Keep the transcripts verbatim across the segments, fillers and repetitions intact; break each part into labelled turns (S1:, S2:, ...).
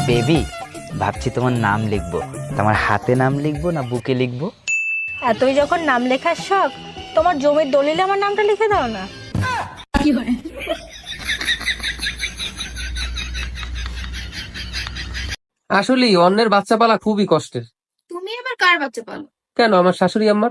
S1: Baby, ভাবছি তোমার নাম লিখবো। তোমার হাতে নাম লিখবো না বুকে লিখবো?
S2: এতই যখন নাম লেখার শখ, তোমার জমির দলিলে আমার নামটা লিখে দাও না। কি হয়?
S3: আসলে অন্যের বাচ্চা পালা খুবই কষ্টের।
S4: তুমি আবার কার বাচ্চা পালো?
S3: কেন, আমার শাশুড়ি আম্মার।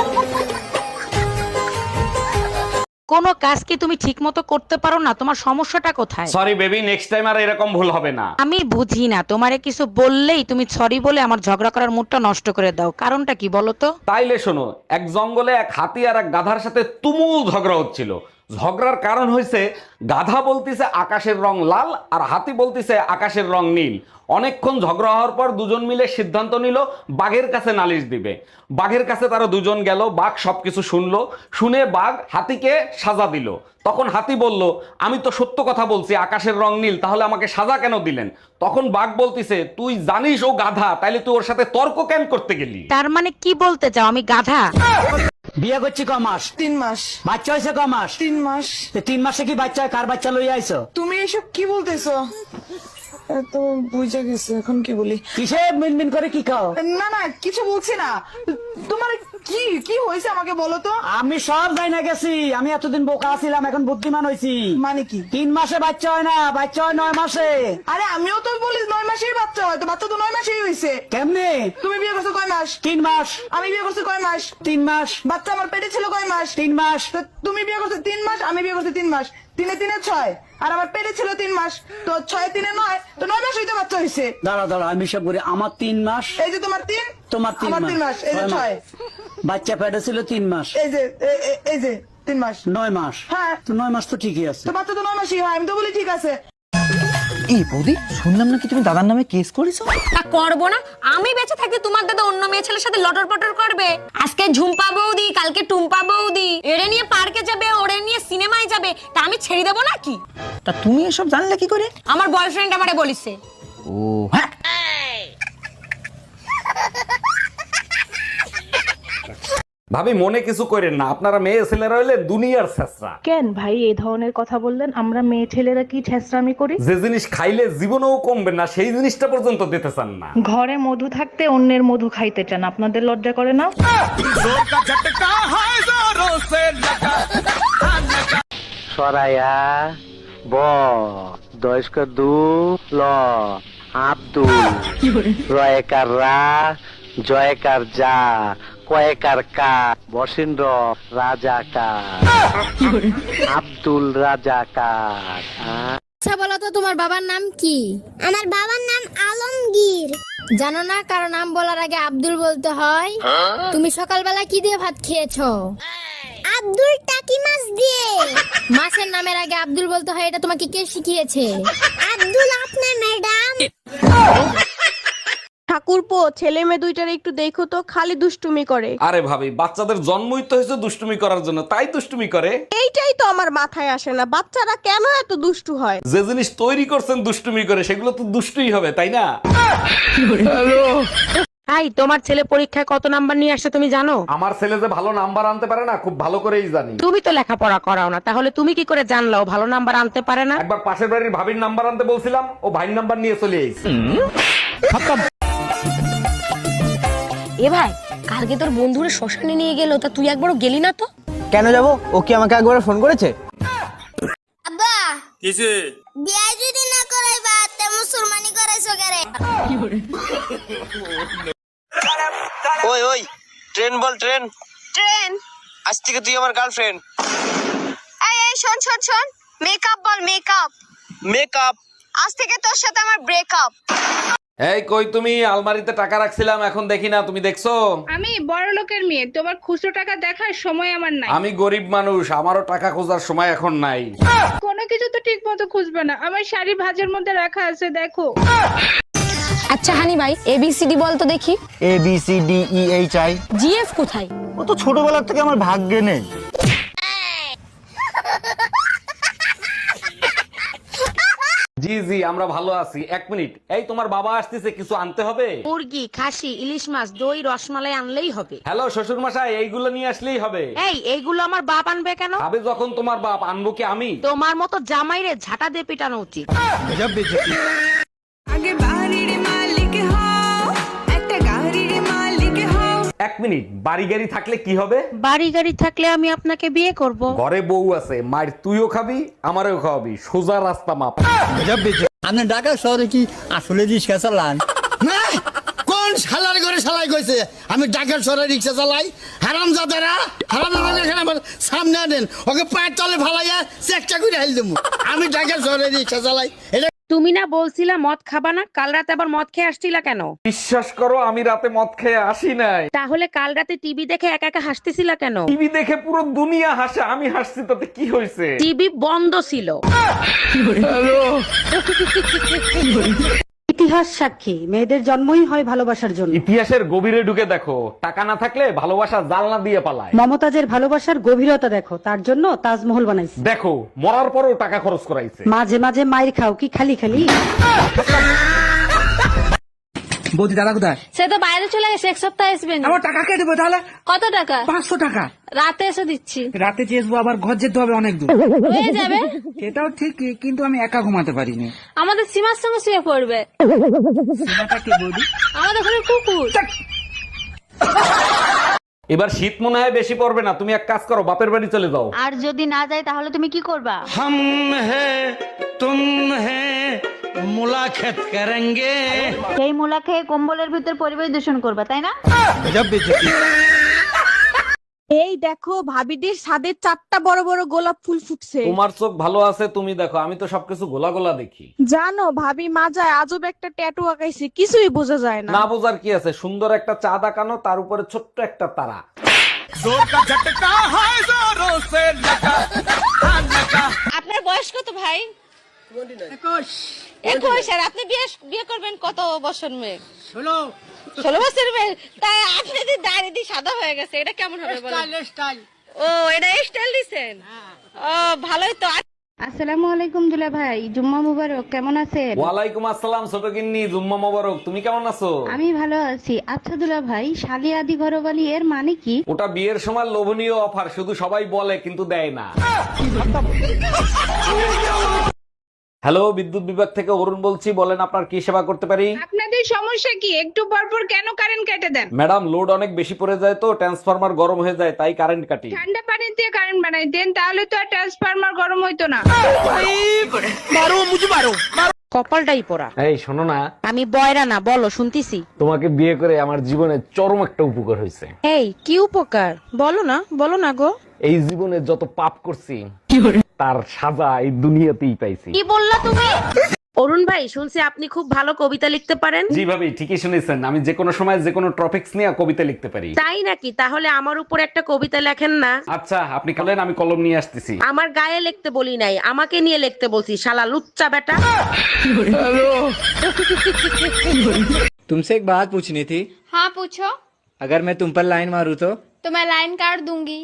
S5: কোনো কাজ কি তুমি ঠিক মতো করতে পারো না? তোমার সমস্যাটা কোথায়?
S6: সরি বেবি, নেক্সট টাইম আর এরকম ভুল হবে না।
S5: আমি বুঝি না, তোমারে কিছু বললেই তুমি সরি বলে আমার ঝগড়া করার মুডটা নষ্ট করে দাও। কারণটা কি বলো তো?
S6: তাইলে শোনো, এক জঙ্গলে এক হাতি আর এক গাধার সাথে তুমুল ঝগড়া হচ্ছিল। ঝগড়ার কারণ হয়েছে গাধা বলতিছে আকাশের রং লাল আর হাতি বলতিছে আকাশের রং নীল। অনেকক্ষণ ঝগড়া হওয়ার পর দুজন মিলে সিদ্ধান্ত নিল বাঘের কাছে নালিশ দিবে। বাঘের কাছে তারা দুজন গেল, বাঘ সবকিছু শুনলো, শুনে বাঘ হাতিকে সাজা দিল। তখন হাতি বলল, আমি তো সত্য কথা বলছি আকাশের রং নীল, তাহলে আমাকে সাজা কেন দিলেন? তখন বাঘ বলতিছে, তুই জানিস ও গাধা, তাইলে তুই ওর সাথে তর্ক কেন করতে গেলি?
S5: তার মানে কি বলতে চাও আমি গাধা?
S7: বিয়ে করছি ক মাস?
S8: তিন মাস।
S7: বাচ্চা হয়েছে ক মাস?
S8: তিন মাস।
S7: তো তিন মাসে কি বাচ্চা, কার বাচ্চা লইয়া আইছো?
S8: তুমি এসব কি বলতেছো? তো বুঝে গেছে, এখন কি বলি?
S7: কিসে মিনমিন করে কি খাও?
S8: না না, কিছু বলছি না। তোমার কি কি হয়েছে আমাকে বলো তো।
S7: আমি সব যাই না গেছি, আমি এতদিন বোকা ছিলাম, এখন বুদ্ধিমান হয়েছি।
S8: মানে কি?
S7: তিন মাসে বাচ্চা হয় না, বাচ্চা হয় নয় মাসে।
S8: আরে আমিও তো বলি নয় মাসেই বাচ্চা হয়, তো বাচ্চা তো নয় মাসেই হয়েছে।
S7: কেমনে?
S8: তুমি বিয়ে করছো কয় মাস?
S7: তিন মাস।
S8: আমি বিয়ে করছি কয় মাস?
S7: তিন মাস।
S8: বাচ্চা আমার পেটে ছিল কয় মাস?
S7: তিন মাস।
S8: তো তুমি বিয়ে করছো তিন মাস, আমি বিয়ে করছি তিন মাস। তিনে তিনে ছয়, আর আমার পেটে ছিল তিন মাস, তো ছয় তিনে নয়, তো নয় মাস হইতে বাচ্চা হয়েছে।
S7: দাঁড়া দাঁড়া, আমি সব করি। আমার তিন মাস,
S8: এই যে তোমার তিন,
S7: তোমার তিন
S8: আমার
S7: মাস।
S8: তিন মাস, এই যে
S7: ছয় মাস।
S8: ছয়।
S7: বাচ্চা পেটে ছিল তিন মাস,
S8: এই যে এ- এ- এই যে তিন মাস।
S7: নয় মাস।
S8: হ্যাঁ।
S7: তো নয় মাস তো ঠিকই আছে।
S8: তো বাচ্চা তো নয় মাসই হয়, আমি তো বলি ঠিক আছে।
S1: এই বৌদি, শুনলাম নাকি তুমি দাদার নামে কেস করেছো?
S4: তা করবো না? আমি বেঁচে থাকতে তোমার দাদা অন্য মেয়ে ছেলের সাথে লটর পটর করবে? আজকে ঝুম্পা বৌদি, কালকে টুম্পা বৌদি, এরে নিয়ে পার্কে যাবে, ওরে নিয়ে সিনেমায় যাবে, তা আমি ছেড়ে দেবো নাকি?
S1: তা তুমি এসব জানলে কি করে?
S4: আমার বয়ফ্রেন্ড আমারে বলিছে।
S1: ও হ্যাঁ,
S6: ভাবি মনে কিছু করেন না, আপনারা মেয়ে ছেলেরা হইলে দুনিয়ার ছেঁচড়া।
S2: কেন ভাই এই ধরনের কথা বললেন? আমরা মেয়ে ছেলেরা কি ছেঁচড়ামি করি?
S6: যে জিনিস খাইলে জীবনেও কমবে না সেই জিনিসটা পর্যন্ত দিতে চান না।
S2: ঘরে মধু থাকতে অন্যের মধু খাইতে চান, আপনাদের লজ্জা করে না?
S7: সরাইয়া ব দয়স্ক দু ল আব্দুল রয়কার রা জয়কার যা কয়েকার কা বসিন্দ্র রাজাকার আব্দুল রাজাকার।
S4: আচ্ছা বলো তো, তোমার বাবার নাম কি?
S9: আমার বাবার নাম আলমগীর।
S4: জানো না কারো নাম বলার আগে আব্দুল বলতে হয়? তুমি সকালবেলা কি দিয়ে ভাত খেয়েছো?
S9: আব্দুল টাকি মাছ দিয়ে।
S4: মাছের নামের আগে আব্দুল বলতে হয়, এটা তোমাকে কে শিখিয়েছে?
S9: আব্দুল আপনার ম্যাডাম।
S2: ঠাকুরপো, ছেলে মেয়ে দুইটার একটু দেখো তো, খালি দুষ্টুমি করে।
S6: আরে ভাবি, বাচ্চাদের জন্মই তো হয়েছে দুষ্টুমি করার জন্য, তাই দুষ্টুমি করে।
S2: এইটাই তো আমার মাথায় আসে না, বাচ্চারা কেন এত দুষ্টু হয়?
S6: যে জিনিস তৈরি করছেন দুষ্টুমি করে, সেগুলো তো দুষ্টুই হবে, তাই না?
S5: হাই, তোমার ছেলে পরীক্ষায় কত নাম্বার নিয়ে আসছে তুমি জানো?
S6: আমার ছেলে যে ভালো নাম্বার আনতে পারে না, খুব ভালো করেই জানি।
S5: তুমি তো লেখাপড়া করাও না, তাহলে তুমি কি করে জানলা ও ভালো নাম্বার আনতে পারে না?
S6: একবার পাশের বাড়ির ভাবির নাম্বার আনতে বলছিলাম, ও ভাইয়ের নাম্বার নিয়ে চলে এসেছে।
S4: এ ভাই, কালকে তোর বন্ধুরে শ্মশানে নিয়ে গেল, তা তুই একবারও গেলি না তো?
S1: কেন যাবো? ও কি আমাকে একবার ফোন করেছে?
S9: আব্বা কিসে বিয়ে যদি না করাইবা তে মুসলমানি করাইছো কেরে?
S10: ওই ওই ট্রেন বল, ট্রেন
S9: ট্রেন।
S10: আজ থেকে তুই আমার গার্লফ্রেন্ড।
S9: এই এই শোন শোন শোন, মেকআপ বল, মেকআপ।
S10: মেকআপ।
S9: আজ থেকে তোর সাথে আমার ব্রেকআপ।
S6: এই কই তুমি? আলমারিতে টাকা রাখছিলাম, এখন দেখি না, তুমি দেখছো?
S2: আমি বড় লোকের মেয়ে, তোমার খুচরো টাকা দেখার সময় আমার নাই।
S6: আমি গরিব মানুষ, আমারও টাকা খোঁজার সময় এখন নাই।
S2: কোনো কিছু তো ঠিক মতো খুঁজবে না, আমার শাড়ি ভাঁজের মধ্যে রাখা আছে, দেখো।
S4: আচ্ছা হানি ভাই, এবিসিডি বল তো দেখি।
S1: A B C D E H I.
S4: GF কোথায়?
S1: ও তো ছোটবেলার থেকে আমার ভাগ্যে নেই।
S6: জি জি, আমরা ভালো আছি। এক মিনিট, এই তোমার বাবা আসতেছে, কিছু আনতে হবে?
S5: মুরগি, খাসি, ইলিশ মাছ, দই, রসমালাই আনলেই হবে।
S6: হ্যালো শ্বশুর মশাই, এইগুলো নিয়ে আসলেই হবে।
S5: এই এইগুলো আমার বাপ আনবে কেন?
S6: ভাবে যখন তোমার বাপ, আনবো কি আমি?
S5: তোমার মতো জামাইরে ঝাঁটা দিয়ে পিটানো উচিত।
S8: আগে বাড়ি
S6: মিনিট, বাড়ি গাড়ি থাকলে কি হবে?
S5: বাড়ি গাড়ি থাকলে আমি আপনাকে বিয়ে করব।
S6: ঘরে বউ আছে, মায়ের তুইও খাবি আমারও খাওয়াবি, সোজা রাস্তা মাপ।
S7: আপনি ঢাকা শহরে কি আসলে রিক্সা চালান? না, কোন শালার ঘরে শালাই কইছে আমি ঢাকা শহরে রিক্সা চালাই? হারামজাদারা, হারামজাদারা এখানে আমার সামনে আনেন, ওকে পায়ের তলে ফালাইয়া চেকটা করে হেল দেবো। আমি ঢাকা শহরে রিক্সা চালাই। এটা
S5: তুমি না বলছিলা মদ খাবা না, কাল রাতে আবার মদ খেয়ে আসছিলা কেন?
S6: বিশ্বাস করো আমি রাতে মদ খেয়ে আসি নাই।
S5: তাহলে কাল রাতে টিভি দেখে একা একা হাসতেছিলা কেন?
S6: টিভি দেখে পুরো দুনিয়া হাসে, আমি হাসছি তাতে কি হয়েছে?
S5: টিভি বন্ধ ছিল।
S11: ইতিহাস সাক্ষী, মেয়েদের জন্মই হয় ভালোবাসার জন্য।
S6: ইতিহাসের গভীরে ঢুকে দেখো, টাকা না থাকলে ভালোবাসা জালনা দিয়ে পালায়।
S11: মমতাজের ভালোবাসার গভীরতা দেখো, তার জন্য তাজমহল বানাইছে।
S6: দেখো মরার পরও টাকা খরচ করাইছে।
S11: মাঝে মাঝে মায়ের খাও কি খালি খালি?
S7: বৌদি দাদা কোথায়?
S2: সে তো বাইরে চলে গেছে, এক সপ্তাহ আসবে না।
S7: আমার টাকা কে দেবো তাহলে?
S2: কত টাকা?
S7: পাঁচশো টাকা।
S2: রাতে এসে দিচ্ছি।
S7: রাতে চেয়েছবো, আবার ঘর যেতে হবে অনেক দূর।
S2: হয়ে যাবে।
S7: সেটাও ঠিক, কিন্তু আমি একা ঘুমাতে পারিনি।
S2: আমাদের সীমার সঙ্গে শুয়ে পড়বে। আমাদের ঘরে কুকুর।
S6: এবার শীত মনে হয় বেশি পড়বে না, তুমি এক কাজ করো, বাপের বাড়ি চলে যাও।
S4: আর যদি না যায় তাহলে তুমি কি করবা?
S7: हम हैं तुम हैं मुलाकात करेंगे।
S4: সেই মুলা খেয়ে কম্বলের ভিতর পরিবেশ দূষণ করবা, তাই না?
S2: এই দেখো ভাবিদের ছাদে চারটা বড় বড় গোলাপ ফুল ফুটছে।
S6: তোমার চোখ ভালো আছে, তুমি দেখো, আমি তো সবকিছু গোলা গোলা দেখি।
S2: জানো ভাবি মাজায় আজব একটা ট্যাটু আঁকাইছে, কিছুই বোঝা যায় না।
S6: না বোঝার কি আছে, সুন্দর একটা চাঁদ আঁকানো, তার উপরে ছোট্ট একটা তারা।
S4: আপনার বয়স কত ভাই? একুশ। আর আপনি বিয়ে বিয়ে করবেন কত বছর মেয়ে? ষোলো। ষোলো বছর মেয়ে? তাই আপনি যদি দাড়ি দিয়ে সাদা হয়ে গেছে, এটা কেমন হবে বলেন? ও, এটা স্টাইল দিছেন? ও ভালোই তো।
S5: আসসালামু আলাইকুম দুলা ভাই, জুম্মা মুবারক, কেমন আছেন?
S6: ওয়ালাইকুম আসসালাম ছোট গিন্নি, জুম্মা মোবারক, তুমি কেমন আছো?
S5: আমি ভালো আছি। আচ্ছা দুলা ভাই, শালি আদি ঘরবালি এর মানে কি?
S6: ওটা বিয়ের সময় লোভনীয় অফার, শুধু সবাই বলে কিন্তু দেয় না। হ্যালো, বিদ্যুৎ বিভাগ থেকে অরুণ বলছি, বলেন আপনার কি সেবা করতে পারি?
S2: আপনাদের সমস্যা কি? একটু পর পর কেন কারেন্ট কেটে দেন?
S6: ম্যাডাম, লোড অনেক বেশি পড়ে যায় তো ট্রান্সফরমার গরম হয়ে যায়, তাই কারেন্ট কাটি।
S2: ঠান্ডা পানি দিয়ে কারেন্ট বানাই দেন, তাহলে তো আর ট্রান্সফরমার গরম হইতো না।
S5: কপালটাই পোড়া।
S6: এই শোনো না,
S5: আমি বয়রা না, বলো শুনতিছি।
S6: তোমাকে বিয়ে করে আমার জীবনে চরম একটা উপকার হয়েছে।
S5: এই কি উপকার? বলো না, বলো না গো।
S6: এই জীবনে যত পাপ করছি তার সাজা এই দুনিয়াতেই পাইছি।
S5: কি বললা তুমি? অরুণ ভাই, শুনছি আপনি খুব ভালো কবিতা লিখতে পারেন।
S6: জি ভাবি, ঠিকই শুনেছেন, আমি যে কোনো সময় যে কোনো টপিকস নিয়ে কবিতা লিখতে পারি।
S5: তাই নাকি? তাহলে আমার উপর একটা কবিতা লেখেন না।
S6: আচ্ছা, আপনি বলেন, আমি কলম নিয়ে আসতেছি।
S5: আমার গায়ে লিখতে বলি নাই, আমাকে নিয়ে লিখতে বলছি, শালা লুচ্চা বেটা।
S7: तुमसे एक बात पूछनी थी।
S2: हाँ पूछो।
S7: अगर मैं तुम पर लाइन मारूं तो?
S2: तो मैं लाइन काट दूंगी।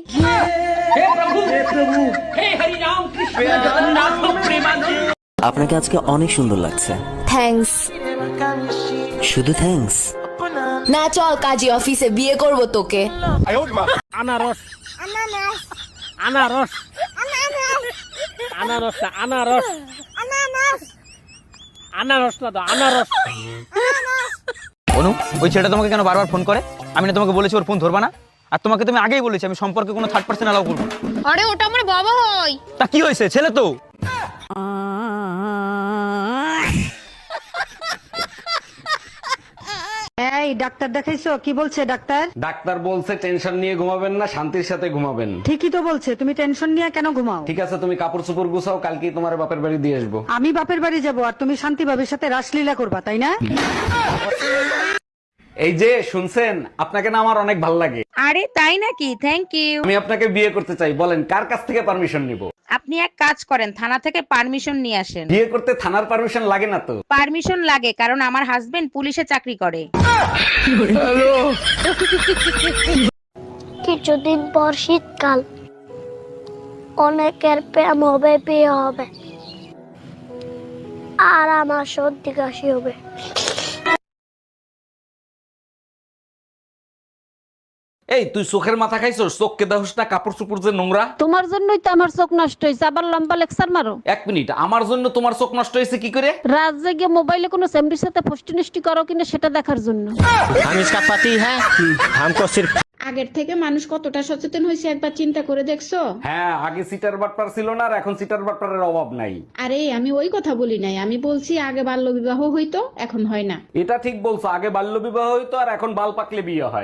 S1: আপনাকে আজকে অনেক সুন্দর লাগছে।
S4: থ্যাঙ্কস।
S1: শুধু থ্যাঙ্কস?
S4: না, চল কাজী অফিসে, বিয়ে করব তোকে।
S7: আনারস আনারস আনারস আনারস আনারস না তো আনারস।
S1: অনু, ওই ছেলেটা তোমাকে কেন বারবার ফোন করে? আমি না তোমাকে বলেছি ওর ফোন ধরবা না? আর তোমাকে তুমি আগেই বলেছি আমি সম্পর্কে কোনো থার্ড পার্সন অ্যালাউ করব না।
S2: আরে ওটা আমার বাবা হয়।
S1: তা কি হয়েছে, ছেলে তো।
S11: এই ডাক্তার দেখাইছো? কি বলছে ডাক্তার?
S6: ডাক্তার বলছে টেনশন নিয়ে ঘুমাবেন না, শান্তির সাথে ঘুমাবেন।
S11: ঠিকই তো বলছে, তুমি টেনশন নিয়ে কেন ঘুমাও?
S6: ঠিক আছে, তুমি কাপড় চোপড় গুছাও, কালকেই তোমার বাপের বাড়ি দিয়ে আসবো।
S11: আমি বাপের বাড়ি যাব আর তুমি শান্তি ভাবির সাথে রাসলীলা করবা, তাই না?
S6: এই যে শুনছেন, আপনাকে না আমার অনেক ভালো লাগে।
S5: আরে তাই নাকি? Thank you.
S6: আমি আপনাকে বিয়ে করতে চাই, বলেন কার কাছ থেকে পারমিশন নিব?
S5: আপনি এক কাজ করেন, থানা থেকে পারমিশন নিয়ে আসেন।
S6: বিয়ে করতে থানার পারমিশন লাগে না তো?
S5: পারমিশন লাগে, কারণ আমার হাজবেন্ড পুলিশে চাকরি করে।
S9: কিছুদিন পর শীতকাল, অনেকের প্রেম হবে, বিয়ে হবে, আর আমার সর্দি কাশি হবে।
S6: এই তুই চোখের মাথা খাইছস? চোখকে দেখোস না কাপড় চোপড় যে নোংরা?
S11: তোমার জন্যই তো আমার চোখ নষ্ট হয়েছে, আবার লম্বা লেকচার মারো।
S6: এক মিনিট, আমার জন্য তোমার চোখ নষ্ট হয়েছে কি করে?
S11: রাত জেগে মোবাইলে কোনো সেমরির সাথে ফষ্টি নষ্টি করো কিনা সেটা দেখার জন্য।
S7: हम इसका पति है, हमको सिर्फ
S4: আগের থেকে মানুষ কতটা সচেতন হয়েছে একবার চিন্তা করে দেখছো?
S6: হ্যাঁ, আগে সিটার বাটপার ছিল না, আর এখন সিটার বাটপারের অভাব নাই।
S4: আরে আমি ওই কথা বলি নাই, আমি বলছি আগে বাল্য বিবাহ হইতো, এখন হয় না।
S6: এটা ঠিক বলছো, আগে বাল্য বিবাহ হইতো আর এখন বাল পাকলে বিয়ে হয়।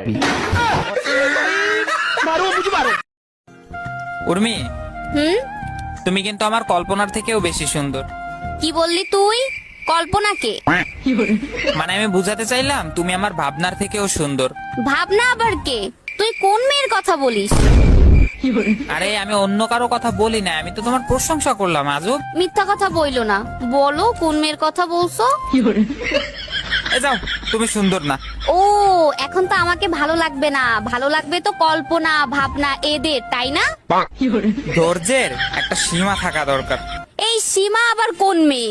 S1: উর্মি,
S9: হুম
S1: তুমি কিন্তু আমার কল্পনার থেকেও বেশি সুন্দর।
S9: কি বললি তুই? কল্পনাকে?
S1: মানে আমি বুঝাতে চাইলাম তুমি আমার ভাবনার থেকেও সুন্দর।
S9: ভাবনা আবার কে? তুই কোন মেয়ের কথা বলিস?
S1: আরে আমি অন্য কারো কথা বলি না, আমি তো তোমার প্রশংসা করলাম। আজব।
S9: মিথ্যা কথা বইলো না, বলো কোন মেয়ের কথা বলছো?
S1: এ যাও, তুমি সুন্দর না।
S9: ও এখন তো আমাকে ভালো লাগবে না, ভালো লাগবে তো কল্পনা ভাবনা এদের, তাই না?
S1: ধৈর্যের একটা সীমা থাকা দরকার।
S9: এই সীমা আবার কোন মেয়ে?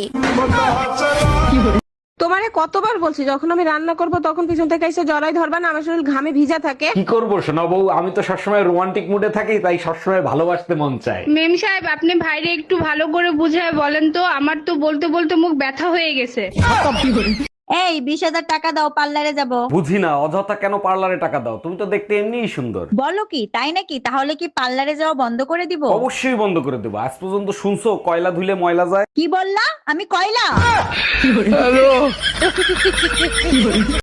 S4: তোমারে কতবার বলছি যখন আমি রান্না করব তখন পিছন থেকে এসে জড়াই ধরবা না, আমার শরীর ঘামে ভিজা থাকে।
S6: কি করবো শোনা বউ, আমি তো সবসময় রোমান্টিক মুডে থাকি, তাই সবসময় ভালোবাসতে মন চায়।
S4: মেম সাহেব, আপনি ভাইরে একটু ভালো করে বুঝায় বলেন তো, আমার তো বলতে বলতে মুখ ব্যথা হয়ে গেছে।
S2: এই বিশ হাজার টাকা দাও, পার্লারে যাব।
S6: বুঝি না অযথা কেন পার্লারে টাকা দাও, তুমি তো দেখতে এমনিই সুন্দর।
S2: বলো কি, তাই নাকি? তাহলে কি পার্লারে যাওয়া বন্ধ করে দিব?
S6: অবশ্যই বন্ধ করে দেবো। আজ পর্যন্ত শুনছো কয়লা ধুলে ময়লা যায়?
S2: কি বললা? আমি কয়লা?